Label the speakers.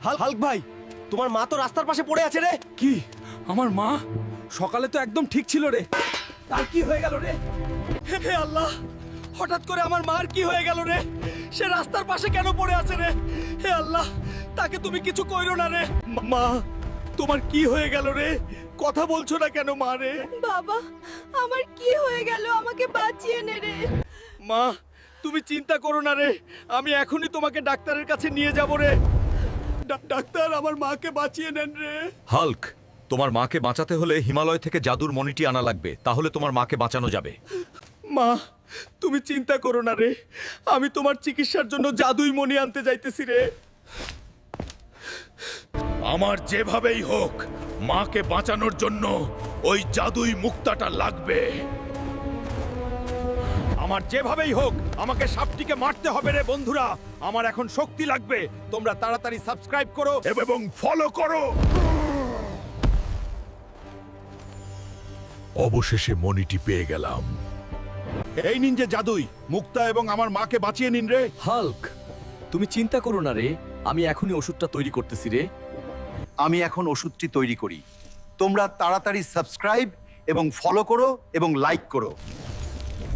Speaker 1: Hulk ভাই, তোমার মা তো রাস্তার পাশে পড়ে আছে রে।
Speaker 2: কি? আমার মা সকালে তো একদম ঠিক ছিল রে। তার কি হয়ে গেল রে?
Speaker 1: হে আল্লাহ, হঠাৎ করে আমার মার কি হয়ে গেল রে? সে রাস্তার পাশে কেন পড়ে আছে রে? হে আল্লাহ, তাকে তুমি কিছু কইরো না রে। মা, তোমার কি হয়ে গেল রে? কথা বলছো না কেন মা রে?
Speaker 3: বাবা, আমার কি হয়ে গেল? আমাকে বাঁচিয়ে নে রে।
Speaker 1: মা, তুমি চিন্তা করো না রে, আমি এখনই তোমাকে ডাক্তারের কাছে নিয়ে যাব রে। ডাক্তার, আমার মাকে বাঁচিয়ে নেন রে।
Speaker 4: হাল্ক, তোমার মাকে বাঁচাতে হলে হিমালয় থেকে জাদুর মণিটি আনা লাগবে, তাহলে তোমার মাকে বাঁচানো যাবে।
Speaker 1: মা, তুমি চিন্তা করো না রে, আমি তোমার চিকিৎসার জন্য জাদুই মণি আনতে যাইতেছি রে।
Speaker 4: আমার যেভাবেই হোক মাকে বাঁচানোর জন্য ওই জাদুই মুক্তাটা লাগবে।
Speaker 1: আমার যেভাবেই হোক আমাকে সাপটিকে মারতে হবে রে বন্ধুরা। আমার এখন শক্তি লাগবে। তোমরা তাড়াতাড়ি সাবস্ক্রাইব করো
Speaker 4: এবং ফলো করো। অবশেষে মণিটি পেয়ে গেলাম।
Speaker 1: এই নিন যে জাদুই মুক্তা, এবং আমার মাকে বাঁচিয়ে নিন রে।
Speaker 2: হাল্ক, তুমি চিন্তা করো না রে, আমি এখনই ওষুধটা তৈরি করতেছি রে।
Speaker 5: আমি এখন ওষুধটি তৈরি করি। তোমরা তাড়াতাড়ি সাবস্ক্রাইব এবং ফলো করো এবং লাইক করো।